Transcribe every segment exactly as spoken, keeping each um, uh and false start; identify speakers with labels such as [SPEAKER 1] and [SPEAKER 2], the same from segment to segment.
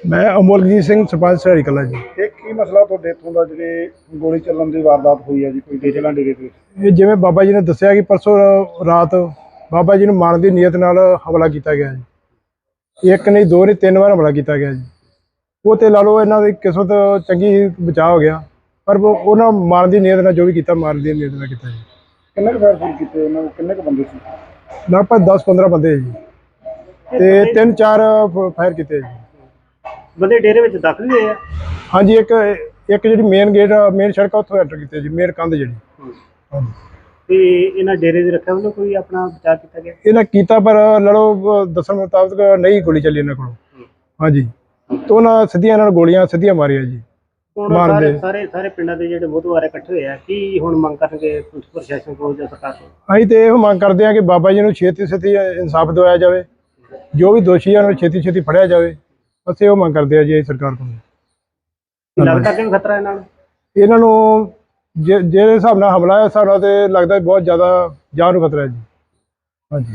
[SPEAKER 1] मैं अमोलजीत सिंह सरपंच सराड़ी कला जी।
[SPEAKER 2] ਇਹ ਕੀ ਮਸਲਾ ਤੁਹਾਡੇ ਇੱਥੋਂ ਦਾ ਜਿਹੜੇ ਗੋਲੀ ਚੱਲਣ ਦੀ ਵਾਰਦਾਤ ਹੋਈ ਹੈ ਜੀ ਕੋਈ ਡੇਰੇ ਨਾਲ ਡੇਰੇ ਤੇ?
[SPEAKER 1] ਇਹ ਜਿਵੇਂ ਬਾਬਾ ਜੀ ਨੇ ਦੱਸਿਆ ਕਿ ਪਰਸੋਂ ਰਾਤ ਬਾਬਾ ਜੀ ਨੂੰ ਮਾਰਨ ਦੀ ਨੀਅਤ ਨਾਲ ਹਮਲਾ ਕੀਤਾ ਗਿਆ ਜੀ। ਇੱਕ ਨਹੀਂ ਦੋ ਨਹੀਂ ਤਿੰਨ ਵਾਰ ਹਮਲਾ ਕੀਤਾ ਗਿਆ ਜੀ। ਉਹ ਤੇ ਲਾ ਲਓ ਇਹਨਾਂ ਦੀ ਕਿਸਮਤ ਚੰਗੀ ਬਚਾਅ ਹੋ ਗਿਆ, ਪਰ ਉਹ- ਉਹਨਾਂ ਮਾਰਨ ਦੀ ਨੀਅਤ ਨਾਲ ਜੋ ਵੀ ਕੀਤਾ ਮਾਰਨ ਦੀ ਨੀਅਤ ਨਾਲ ਕੀਤਾ ਜੀ।
[SPEAKER 2] ਕਿੰਨੇ ਕੁ ਫਾਇਰ ਫੂਰ ਕੀਤੇ ਉਹਨਾਂ ਨੂੰ, ਕਿੰਨੇ ਕੁ ਬੰਦੇ ਸੀ?
[SPEAKER 1] ਲਗਭਗ ਦਸ ਪੰਦਰਾਂ ਬੰਦੇ ਜੀ ਤੇ ਤਿੰਨ ਚਾਰ ਫਾਇਰ ਕੀਤੇ ਜੀ।
[SPEAKER 3] ਬੰਦੇ ਡੇਰੇ ਵਿੱਚ ਦਾਖਲ ਹੋਏ ਆ?
[SPEAKER 1] ਹਾਂਜੀ, ਇੱਕ ਇੱਕ ਜਿਹੜੀ ਮੇਨ ਗੇਟ ਮੇਨ ਸੜਕ ਉੱਥੋਂ ਐਂਟਰ ਕੀਤੇ ਜੀ, ਮੇਨ ਕੰਧ ਜਿਹੜੀ। ਹਾਂਜੀ,
[SPEAKER 3] ਤੇ ਇਹਨਾਂ ਡੇਰੇ ਦੀ ਰੱਖਿਆ ਵੱਲੋਂ ਕੋਈ ਆਪਣਾ ਬਚਾਅ ਕੀਤਾ ਗਿਆ?
[SPEAKER 1] ਇਹਨਾਂ ਕੀਤਾ ਪਰ ਲੜੋ ਦੱਸਣ ਮੁਤਾਬਕ ਨਹੀਂ ਗੋਲੀ ਚੱਲੀ ਇਹਨਾਂ ਕੋਲੋਂ। ਹਾਂਜੀ, ਤੇ ਉਹਨਾਂ ਸਿੱਧੀਆਂ ਇਹਨਾਂ ਨੂੰ ਗੋਲੀਆਂ ਸਿੱਧੀਆਂ ਮਾਰੀਆਂ ਜੀ।
[SPEAKER 3] ਹੁਣ
[SPEAKER 1] ਮਾਰ
[SPEAKER 3] ਸਾਰੇ
[SPEAKER 1] ਦੇ।
[SPEAKER 3] ਸਾਰੇ ਸਾਰੇ ਪਿੰਡਾਂ ਦੇ ਜਿਹੜੇ ਬੁੱਧਵਾਰ ਇਕੱਠੇ ਹੋਏ ਆ, ਕੀ ਹੁਣ ਮੰਗ ਕਰਨਗੇ ਪੁਲਿਸ ਪ੍ਰਸ਼ਾਸਨ ਕੋਲ ਜਾਂ ਸਰਕਾਰ ਕੋਲ?
[SPEAKER 1] ਅਸੀਂ ਤੇ ਇਹੋ ਮੰਗ ਕਰਦੇ ਹਾਂ ਕਿ ਬਾਬਾ ਜੀ ਨੂੰ ਛੇਤੀ ਛੇਤੀ ਇਨਸਾਫ ਦਿਵਾਇਆ ਜਾਵੇ, ਜੋ ਵੀ ਦੋਸ਼ੀ ਆ ਉਹਨਾਂ ਨੂੰ ਛੇਤੀ ਛੇਤੀ ਫੜਿਆ ਜਾਵੇ। ਅਸੀਂ ਉਹ ਮੰਗ ਕਰਦੇ ਹਾਂ ਜੀ ਸਰਕਾਰ ਕੋਲ।
[SPEAKER 3] ਕੀ ਲੱਗਦਾ ਕਿ ਖਤਰਾ ਇਹਨਾਂ ਨੂੰ?
[SPEAKER 1] ਇਹਨਾਂ ਨੂੰ ਜੇ ਜਿਹੜੇ ਹਿਸਾਬ ਨਾਲ ਹਮਲਾ ਹੈ, ਹਿਸਾਬ ਨਾਲ ਤੇ ਲੱਗਦਾ ਬਹੁਤ ਜ਼ਿਆਦਾ ਜਾਨ ਨੂੰ ਖਤਰਾ ਹੈ ਜੀ। ਹਾਂਜੀ,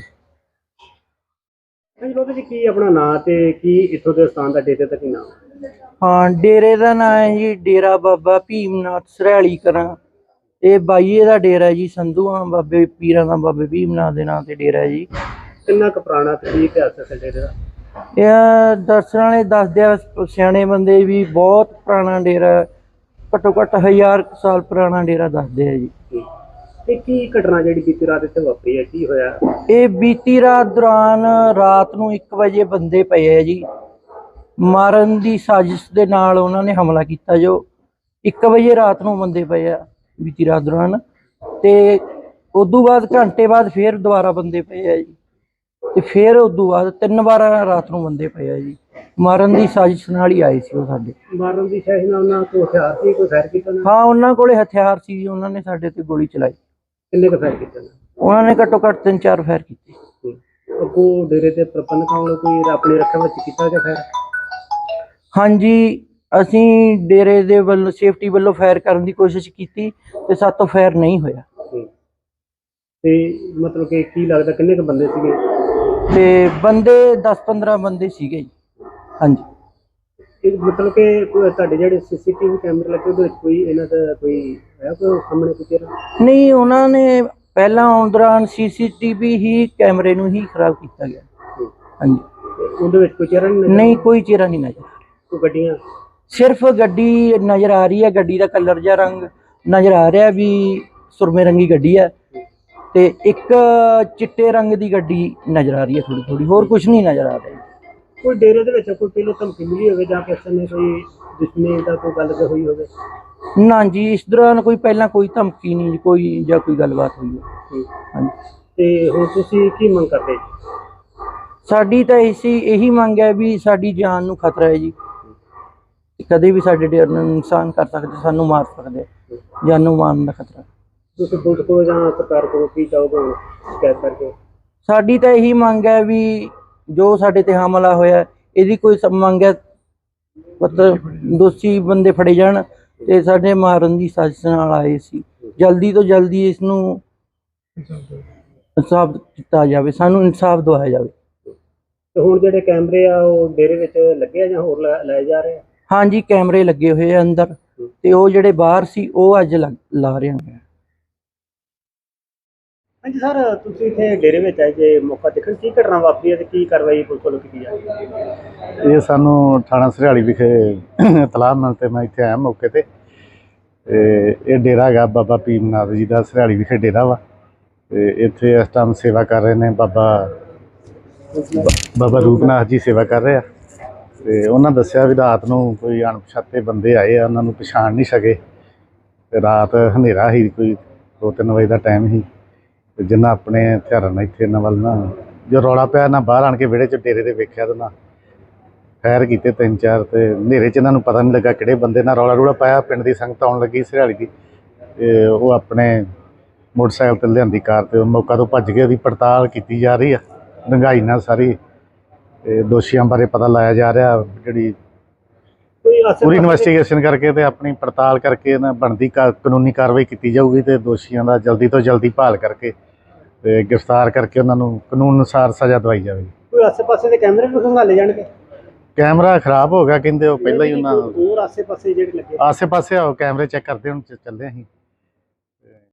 [SPEAKER 3] ਹਾਂਜੀ ਲੋਕਾਂ ਜੀ, ਕੀ ਆਪਣਾ ਨਾਂ ਤੇ ਕੀ ਇੱਥੋਂ ਦੇ ਸਥਾਨ ਦਾ ਡੇਰੇ ਦਾ ਕੀ ਨਾਮ?
[SPEAKER 4] ਹਾਂ, ਡੇਰੇ ਦਾ ਨਾਂ ਹੈ ਜੀ ਡੇਰਾ ਬਾਬਾ ਭੀਮਨਾਥ ਸਰਾਲੀ ਕਰਾਂ। ਇਹ ਬਾਈਏ ਦਾ ਡੇਰਾ ਹੈ ਜੀ, ਸੰਧੂਆਂ ਬਾਬੇ ਪੀਰਾਂ ਦਾ ਬਾਬੇ ਭੀਮਨਾਥ ਦੇ ਨਾਂ ਤੇ ਡੇਰਾ ਹੈ ਜੀ।
[SPEAKER 3] ਕਿੰਨਾ ਕੁ ਪੁਰਾਣਾ ਤੇ ਕੀ ਇਤਿਹਾਸ ਹੈ ਡੇਰੇ ਦਾ?
[SPEAKER 4] ਇਹ ਦਰਸ਼ਨ ਵਾਲੇ ਦੱਸਦੇ ਆ, ਸਿਆਣੇ ਬੰਦੇ ਵੀ ਬਹੁਤ ਪੁਰਾਣਾ ਡੇਰਾ, ਘੱਟੋ ਘੱਟ ਹਜ਼ਾਰ ਕੁ ਸਾਲ ਪੁਰਾਣਾ ਡੇਰਾ ਦੱਸਦੇ ਆ ਜੀ।
[SPEAKER 3] ਤੇ ਕੀ ਘਟਨਾ ਜਿਹੜੀ ਬੀਤੀ ਰਾਤ ਇੱਥੇ ਵਾਪਰੀ ਹੈ, ਕੀ ਹੋਇਆ?
[SPEAKER 4] ਇਹ ਬੀਤੀ ਰਾਤ ਦੌਰਾਨ ਰਾਤ ਨੂੰ ਇੱਕ ਵਜੇ ਬੰਦੇ ਪਏ ਆ ਜੀ, ਮਾਰਨ ਦੀ ਸਾਜ਼ਿਸ਼ ਦੇ ਨਾਲ ਉਹਨਾਂ ਨੇ ਹਮਲਾ ਕੀਤਾ। ਜੋ ਇੱਕ ਵਜੇ ਰਾਤ ਨੂੰ ਬੰਦੇ ਪਏ ਆ ਬੀਤੀ ਰਾਤ ਦੌਰਾਨ, ਤੇ ਉਦੋਂ ਬਾਅਦ ਘੰਟੇ ਬਾਅਦ ਫੇਰ ਦੁਬਾਰਾ ਬੰਦੇ ਪਏ ਆ ਜੀ, ਤੇ ਫਿਰ ਉਦੋਂ ਬਾਅਦ ਤਿੰਨ ਵਾਰ ਰਾਤ ਨੂੰ ਬੰਦੇ ਪਏ ਆ ਜੀ। ਮਾਰਨ ਦੀ ਸਾਜ਼ਿਸ਼ ਨਾਲ ਹੀ ਆਏ ਸੀ ਉਹ ਸਾਡੇ।
[SPEAKER 3] ਮਾਰਨ ਦੀ ਸਾਜ਼ਿਸ਼ ਨਾਲ ਉਹਨਾਂ ਕੋਲ ਹਥਿਆਰ ਸੀ, ਕੋਈ ਫਾਇਰ ਕੀਤਾ ਨਾ?
[SPEAKER 4] ਹਾਂ, ਉਹਨਾਂ ਕੋਲੇ ਹਥਿਆਰ ਸੀ ਜੀ, ਉਹਨਾਂ ਨੇ ਸਾਡੇ ਤੇ ਗੋਲੀ ਚਲਾਈ।
[SPEAKER 3] ਕਿੰਨੇ ਕੁ ਫਾਇਰ ਕੀਤੇ ਨੇ?
[SPEAKER 4] ਉਹਨਾਂ ਨੇ ਘੱਟੋ ਘੱਟ ਤਿੰਨ ਚਾਰ ਫਾਇਰ ਕੀਤੇ।
[SPEAKER 3] ਅੱਗੋਂ ਡੇਰੇ ਦੇ ਪ੍ਰਬੰਧਕਾਂ ਵੱਲੋਂ ਕੋਈ ਆਪਣੀ ਰੱਖਿਆ ਵਿੱਚ ਕੀਤਾ ਗਿਆ ਫਾਇਰ?
[SPEAKER 4] ਹਾਂਜੀ, ਅਸੀਂ ਡੇਰੇ ਦੇ ਵੱਲੋਂ ਸੇਫਟੀ ਵੱਲੋਂ ਫਾਇਰ ਕਰਨ ਦੀ ਕੋਸ਼ਿਸ਼ ਕੀਤੀ ਤੇ ਸਾਤੋਂ ਫਾਇਰ ਨਹੀਂ ਹੋਇਆ।
[SPEAKER 3] ਤੇ ਮਤਲਬ ਕਿ ਕੀ ਲੱਗਦਾ ਕਿੰਨੇ ਕੁ ਬੰਦੇ ਸੀਗੇ?
[SPEAKER 4] ਤੇ ਬੰਦੇ ਦਸ ਪੰਦਰਾਂ ਬੰਦੇ ਸੀਗੇ ਜੀ। ਹਾਂਜੀ,
[SPEAKER 3] ਇਹ ਮਤਲਬ ਕਿ ਕੋਈ ਤੁਹਾਡੇ ਜਿਹੜੇ ਸੀਸੀਟੀਵੀ ਕੈਮਰੇ ਲੱਗੇ ਉਹਦੇ ਵਿੱਚ ਕੋਈ ਇਹਨਾਂ ਦਾ ਕੋਈ ਹੈ ਕੋਈ ਸਾਹਮਣੇ ਕੋਈ ਚਿਹਰਾ?
[SPEAKER 4] ਨਹੀਂ, ਉਹਨਾਂ ਨੇ ਪਹਿਲਾਂ ਆਉਣ ਦੌਰਾਨ ਸੀਸੀਟੀਵੀ ਹੀ ਕੈਮਰੇ ਨੂੰ ਹੀ ਖਰਾਬ ਕੀਤਾ ਗਿਆ। ਹਾਂਜੀ,
[SPEAKER 3] ਤੇ ਉਹਦੇ ਵਿੱਚ ਕੋਈ ਚਿਹਰਾ ਨਹੀਂ?
[SPEAKER 4] ਨਹੀਂ, ਕੋਈ ਚਿਹਰਾ ਨਹੀਂ ਨਜ਼ਰ ਆ ਰਿਹਾ।
[SPEAKER 3] ਕੋਈ ਗੱਡੀਆਂ?
[SPEAKER 4] ਸਿਰਫ ਗੱਡੀ ਨਜ਼ਰ ਆ ਰਹੀ ਹੈ, ਗੱਡੀ ਦਾ ਕਲਰ ਜਾਂ ਰੰਗ ਨਜ਼ਰ ਆ ਰਿਹਾ ਵੀ ਸੁਰਮੇ ਰੰਗੀ ਗੱਡੀ ਹੈ, ਤੇ ਇੱਕ ਚਿੱਟੇ ਰੰਗ ਦੀ ਗੱਡੀ ਨਜ਼ਰ ਆ ਰਹੀ ਹੈ ਥੋੜੀ ਥੋੜੀ, ਹੋਰ ਕੁਝ ਨਹੀਂ ਨਜ਼ਰ ਆ ਰਿਹਾ।
[SPEAKER 3] ਕੋਈ ਡੇਰੇ ਦੇ ਵਿੱਚ ਕੋਈ ਪਹਿਲਾਂ ਧਮਕੀ ਮਿਲੀ ਹੋਵੇ ਜਾਂ ਕਿਸੇ ਨੇ ਕੋਈ ਦੁਸ਼ਮਣੀ ਦਾ ਕੋਈ ਗੱਲ ਹੋਈ ਹੋਵੇ?
[SPEAKER 4] ਨਾ ਜੀ, ਇਸ ਦੌਰਾਨ ਕੋਈ ਪਹਿਲਾਂ ਕੋਈ ਧਮਕੀ ਨਹੀਂ ਕੋਈ ਜਾਂ ਕੋਈ ਗੱਲਬਾਤ ਹੋਈ ਹੈ। ਹਾਂਜੀ,
[SPEAKER 3] ਤੇ ਹੁਣ ਤੁਸੀਂ ਕੀ ਮੰਗ ਕਰਦੇ?
[SPEAKER 4] ਸਾਡੀ ਤਾਂ ਇਸੀ ਇਹੀ ਮੰਗ ਹੈ ਵੀ ਸਾਡੀ ਜਾਨ ਨੂੰ ਖਤਰਾ ਹੈ ਜੀ, ਕਦੇ ਵੀ ਸਾਡੇ ਡੇਰੇ ਨੂੰ ਨੁਕਸਾਨ ਕਰ ਸਕਦੇ, ਸਾਨੂੰ ਮਾਰ ਸਕਦੇ, ਜਾਨੋਂ ਮਾਰਨ ਦਾ ਖਤਰਾ।
[SPEAKER 3] ਤੁਸੀਂ ਪੁਲਿਸ ਕੋਲ ਜਾਂ ਸਰਕਾਰ ਕੋਲ ਕੀ ਚਾਹੋਗੇ ਸ਼ਿਕਾਇਤ ਕਰਕੇ?
[SPEAKER 4] ਸਾਡੀ ਤਾਂ ਇਹੀ ਮੰਗ ਹੈ ਵੀ ਜੋ ਸਾਡੇ ਤੇ ਹਮਲਾ ਹੋਇਆ ਇਹਦੀ ਕੋਈ ਮੰਗ ਹੈ, ਮਤਲਬ ਦੋਸ਼ੀ ਬੰਦੇ ਫੜੇ ਜਾਣ ਤੇ ਸਾਡੇ ਮਾਰਨ ਦੀ ਸਾਜ਼ਿਸ਼ ਨਾਲ ਆਏ ਸੀ, ਜਲਦੀ ਤੋਂ ਜਲਦੀ ਇਸ ਨੂੰ ਇਨਸਾਫ ਦਿੱਤਾ ਜਾਵੇ, ਸਾਨੂੰ ਇਨਸਾਫ ਦਿਵਾਇਆ ਜਾਵੇ।
[SPEAKER 3] ਤੇ ਹੁਣ ਜਿਹੜੇ ਕੈਮਰੇ ਆ ਉਹ ਡੇਰੇ ਵਿੱਚ ਲੱਗੇ ਆ ਜਾਂ ਹੋਰ ਲੈ ਜਾ ਰਹੇ ਆ?
[SPEAKER 4] ਹਾਂਜੀ, ਕੈਮਰੇ ਲੱਗੇ ਹੋਏ ਆ ਅੰਦਰ, ਤੇ ਉਹ ਜਿਹੜੇ ਬਾਹਰ ਸੀ ਉਹ ਅੱਜ ਲਾ ਰਹੇ ਹਾਂ।
[SPEAKER 3] ਹਾਂਜੀ ਸਰ, ਤੁਸੀਂ ਇੱਥੇ ਡੇਰੇ ਵਿੱਚ ਆਏ ਜੇ ਮੌਕਾ ਦੇਖਣ, ਕੀ ਘਟਨਾ ਵਾਪਰੀ ਹੈ ਤੇ ਕੀ ਕਾਰਵਾਈ ਪੁਲਿਸ ਵੱਲੋਂ ਕੀਤੀ ਜਾ ਰਹੀ ਹੈ?
[SPEAKER 5] ਇਹ ਸਾਨੂੰ ਥਾਣਾ ਸਰਿਆਲੀ ਵਿਖੇ ਇਤਲਾਹ ਮਿਲ ਤੇ ਮੈਂ ਇੱਥੇ ਆਇਆ ਮੌਕੇ ਤੇ। ਇਹ ਡੇਰਾ ਹੈਗਾ ਬਾਬਾ ਭੀਮਨਾਥ ਜੀ ਦਾ, ਸਰਿਆਲੀ ਵਿਖੇ ਡੇਰਾ ਵਾ। ਤੇ ਇੱਥੇ ਇਸ ਟਾਈਮ ਸੇਵਾ ਕਰ ਰਹੇ ਨੇ ਬਾਬਾ ਬਾਬਾ ਰੂਪਨਾਥ ਜੀ ਸੇਵਾ ਕਰ ਰਹੇ ਆ। ਤੇ ਉਹਨਾਂ ਦੱਸਿਆ ਵੀ ਰਾਤ ਨੂੰ ਕੋਈ ਅਣਪਛਾਤੇ ਬੰਦੇ ਆਏ ਆ, ਉਹਨਾਂ ਨੂੰ ਪਛਾਣ ਨਹੀਂ ਸਕੇ। ਤੇ ਰਾਤ ਹਨੇਰਾ ਸੀ, ਕੋਈ ਦੋ ਤਿੰਨ ਵਜੇ ਦਾ ਟਾਈਮ ਸੀ, ਤੇ ਜਿੰਨਾ ਆਪਣੇ ਹਥਿਆਰਾਂ ਨਾਲ ਇੱਥੇ ਇਹਨਾਂ ਵੱਲ ਨਾ ਜੋ ਰੌਲਾ ਪਿਆ ਨਾ ਬਾਹਰ ਆਣ ਕੇ ਵਿਹੜੇ 'ਚ ਡੇਰੇ ਦੇ ਵੇਖਿਆ ਤੇ ਨਾ ਫਾਇਰ ਕੀਤੇ ਤਿੰਨ ਚਾਰ। ਤੇ ਹਨੇਰੇ 'ਚ ਇਹਨਾਂ ਨੂੰ ਪਤਾ ਨਹੀਂ ਲੱਗਾ ਕਿਹੜੇ ਬੰਦੇ ਨਾਲ ਰੌਲਾ ਰੂਲਾ ਪਾਇਆ। ਪਿੰਡ ਦੀ ਸੰਗਤ ਆਉਣ ਲੱਗੀ ਸਰਿਆਲੀ ਦੀ, ਤੇ ਉਹ ਆਪਣੇ ਮੋਟਰਸਾਈਕਲ 'ਤੇ ਲਿਆਂਦੀ ਕਾਰ, ਤੇ ਮੌਕਾ ਤੋਂ ਭੱਜ ਗਏ। ਉਹਦੀ ਪੜਤਾਲ ਕੀਤੀ ਜਾ ਰਹੀ ਆ ਡੂੰਘਾਈ ਨਾਲ ਸਾਰੀ, ਤੇ ਦੋਸ਼ੀਆਂ ਬਾਰੇ ਪਤਾ ਲਾਇਆ ਜਾ ਰਿਹਾ। ਜਿਹੜੀ ਪੂਰੀ ਇਨਵੈਸਟੀਗੇਸ਼ਨ ਕਰਕੇ ਤੇ ਆਪਣੀ ਪੜਤਾਲ ਕਰਕੇ ਨਾ ਬਣਦੀ ਕਾਨੂੰਨੀ ਕਾਰਵਾਈ ਕੀਤੀ ਜਾਊਗੀ, ਤੇ ਦੋਸ਼ੀਆਂ ਦਾ ਜਲਦੀ ਤੋਂ ਜਲਦੀ ਭਾਲ ਕਰਕੇ ਤੇ ਗ੍ਰਿਫਤਾਰ ਕਰਕੇ ਉਹਨਾਂ ਨੂੰ ਕਾਨੂੰਨ ਅਨੁਸਾਰ ਸਜ਼ਾ ਦਵਾਈ ਜਾਵੇਗੀ।
[SPEAKER 3] ਕੋਈ ਆਸੇ ਪਾਸੇ ਦੇ ਕੈਮਰੇ ਵੀ ਖੰਗਾਲੇ ਜਾਣਗੇ?
[SPEAKER 5] ਕੈਮਰਾ ਖਰਾਬ ਹੋ ਗਿਆ ਕਹਿੰਦੇ, ਉਹ ਪਹਿਲਾਂ ਹੀ ਉਹਨਾਂ
[SPEAKER 3] ਹੋਰ ਆਸੇ ਪਾਸੇ ਜਿਹੜੇ ਲੱਗੇ
[SPEAKER 5] ਆਸੇ ਪਾਸੇ ਆਓ ਕੈਮਰੇ ਚੈੱਕ ਕਰਦੇ ਹੁਣ ਚ- ਚੱਲਦੇ ਅਸੀਂ।